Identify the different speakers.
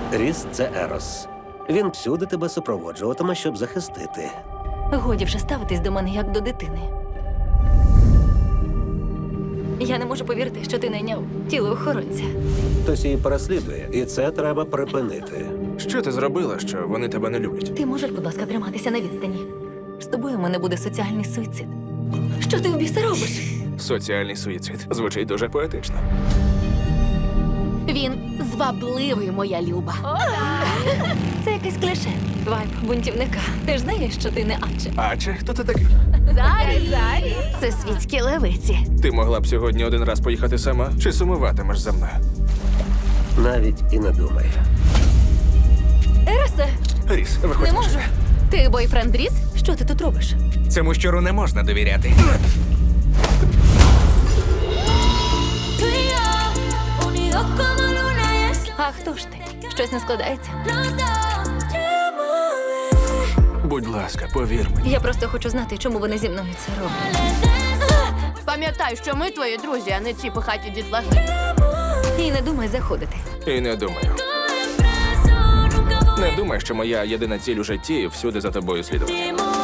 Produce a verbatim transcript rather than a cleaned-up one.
Speaker 1: Ріс – це Ерос. Він всюди тебе супроводжуватиме, щоб захистити.
Speaker 2: Годі вже ставитись до мене як до дитини. Я не можу повірити, що ти найняв тіло охоронця.
Speaker 1: Хтось її переслідує, і це треба припинити.
Speaker 3: Що ти зробила, що вони тебе не люблять?
Speaker 2: Ти можеш, будь ласка, триматися на відстані. З тобою у мене буде соціальний суїцид. Що ти в біса робиш?
Speaker 3: Соціальний суїцид. Звучить дуже поетично.
Speaker 4: Він звабливий, моя люба.
Speaker 2: Це якесь кліше. Вайб бунтівника. Ти ж знаєш, що ти не Адже.
Speaker 3: А чи хто ти такий?
Speaker 4: Зарі, Зарі. Це світські левиці.
Speaker 3: Ти могла б сьогодні один раз поїхати сама, чи сумуватимеш за мною?
Speaker 1: Навіть і не думай.
Speaker 2: Еросе,
Speaker 3: Ріс, виходь.
Speaker 2: не можу.
Speaker 4: Ти бойфренд Ріс?
Speaker 2: Що ти тут робиш?
Speaker 5: Цьому щуру не можна довіряти.
Speaker 6: Tú y yo, unidos como luna y el sol.
Speaker 2: А хто ж ти? Щось не складається?
Speaker 6: Los dos, llévame.
Speaker 3: Будь ласка, повір мені.
Speaker 2: Я просто хочу знати, чому вони зі мною це роблять.
Speaker 4: Пам'ятай, що ми твої друзі, а не ці пихаті дітлахи.
Speaker 2: І не думай заходити.
Speaker 3: І не думаю.
Speaker 6: Preso, nunca voy
Speaker 3: Не думай, що моя єдина ціль у житті всюди за тобою слідувати.
Speaker 6: a